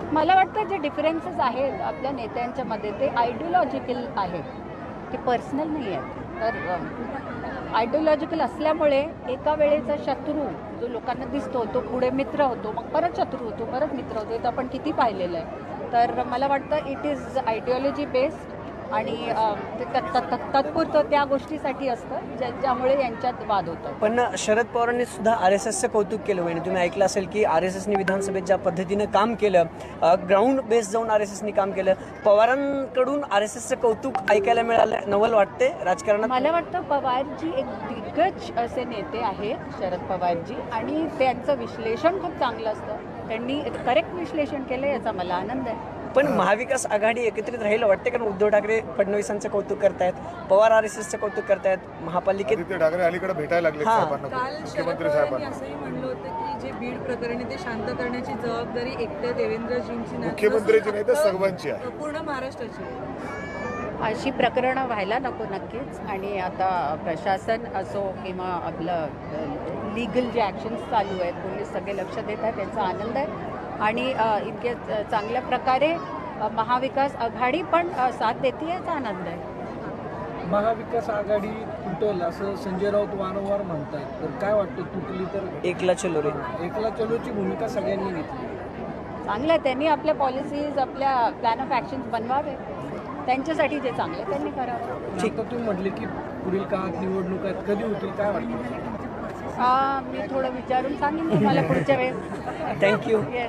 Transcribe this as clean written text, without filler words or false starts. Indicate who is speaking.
Speaker 1: मला वाटतं जे डिफरन्सेस आहेत आपल्या नेत्यांच्या मध्ये ते आयडिओलॉजिकल आहेत, ते पर्सनल नाही आहेत. तर आयडिओलॉजिकल असल्यामुळे एका वेळेचा शत्रू जो लोकांना दिसतो तो पुढे मित्र होतो, मग परत शत्रू होतो, परत मित्र होतो. हे तर आपण किती पाहिलेलं आहे. तर मला वाटतं इट इज आयडिओलॉजी बेस्ड आणि ते तात्पुरतं त्या गोष्टीसाठी असतं ज्यामुळे यांच्यात वाद होतात.
Speaker 2: पण शरद पवारांनी सुद्धा RSSचं कौतुक केलं. वहिनी तुम्ही ऐकलं असेल की RSSने विधानसभेत ज्या पद्धतीनं काम केलं, ग्राउंड बेस जाऊन RSSने काम केलं. पवारांकडून RSSचं कौतुक ऐकायला मिळालं, नवल वाटते राजकारणात.
Speaker 1: मला वाटतं पवारजी एक दिग्गज असे नेते आहेत शरद पवारजी, आणि त्यांचं विश्लेषण खूप चांगलं असतं. त्यांनी करेक्ट विश्लेषण केलं, याचा मला आनंद आहे.
Speaker 2: पण महाविकास आघाडी एकत्रित राहील वाटते, कारण उद्धव ठाकरे फडणवीसांचं कौतुक करतायत, पवार RSSचं कौतुक करतायत, महापालिकेत
Speaker 3: आदित्य ठाकरे अलीकडे भेटायला लागले साहेबांना,
Speaker 4: काल शरद
Speaker 3: मुख्यमंत्री
Speaker 4: पवारांनी
Speaker 3: साहेबांना.
Speaker 4: असंही म्हणलं होतं की जे बीड प्रकरणी ते शांत करण्याची जबाबदारी एकट्या देवेंद्रजींची नाही,
Speaker 3: मुख्यमंत्र्यांची नाही तर सर्वांची आहे.
Speaker 4: पूर्ण महाराष्ट्राची आहे.
Speaker 1: अशी प्रकरणं व्हायला नको नक्कीच. आणि आता प्रशासन असो किंवा आपलं लीगल जे ॲक्शन्स चालू आहेत, पोलीस सगळे लक्ष देत आहेत, त्यांचा आनंद आहे. आणि इतके चांगल्या प्रकारे महाविकास आघाडी पण साथ देते, याचा आनंद आहे.
Speaker 5: महाविकास आघाडी तुटल असं संजय राऊत वारंवार म्हणतात, तर काय वाटतं तुटली तर?
Speaker 2: एकला चलो रे.
Speaker 5: एकला चलोची भूमिका सगळ्यांनी घेतली.
Speaker 1: चांगलं आहे, त्यांनी आपल्या पॉलिसीज, आपल्या प्लॅन ऑफ ॲक्शन्स बनवावे. त्यांच्यासाठी जे चांगलं आहे त्यांनी करावं.
Speaker 5: ठीक, तर तुम्ही म्हटले की पुढील काळात निवडणुका कधी होतील, काय वाटतं?
Speaker 1: मी थोडं विचारून सांगेन तुम्हाला पुढच्या वेळेस.
Speaker 2: थँक्यू.
Speaker 1: येस.